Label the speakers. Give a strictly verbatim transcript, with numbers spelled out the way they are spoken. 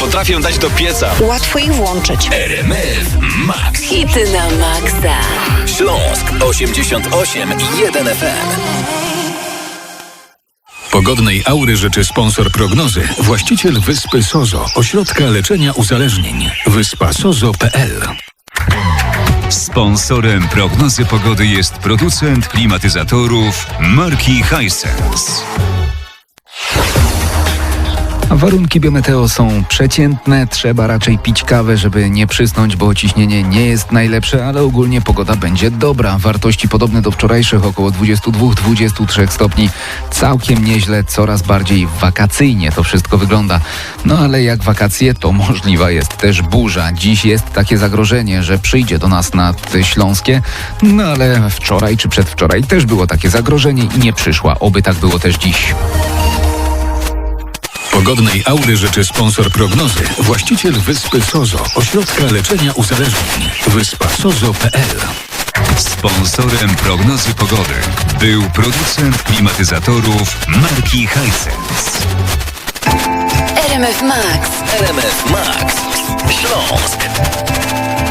Speaker 1: potrafię dać do pieca.
Speaker 2: Łatwo ich włączyć.
Speaker 1: R M F Max.
Speaker 3: Hity na maksa.
Speaker 1: Śląsk osiemdziesiąt osiem i jeden F M. Pogodnej aury życzy sponsor prognozy, właściciel Wyspy Sozo, ośrodka leczenia uzależnień. wyspa sozo kropka p l.
Speaker 4: Sponsorem prognozy pogody jest producent klimatyzatorów marki Hisense.
Speaker 5: Warunki biometeo są przeciętne, trzeba raczej pić kawę, żeby nie przysnąć, bo ciśnienie nie jest najlepsze, ale ogólnie pogoda będzie dobra. Wartości podobne do wczorajszych, około dwadzieścia dwa do dwudziestu trzech stopni. Całkiem nieźle, coraz bardziej wakacyjnie to wszystko wygląda. No ale jak wakacje, to możliwa jest też burza. Dziś jest takie zagrożenie, że przyjdzie do nas nad Śląskie, no ale wczoraj czy przedwczoraj też było takie zagrożenie i nie przyszła. Oby tak było też dziś.
Speaker 1: Pogodnej aury życzy sponsor prognozy, właściciel Wyspy Sozo, ośrodka leczenia uzależnień. wyspa sozo kropka p l.
Speaker 4: Sponsorem prognozy pogody był producent klimatyzatorów marki Hisense.
Speaker 3: R M F Max.
Speaker 1: R M F Max. Śląsk.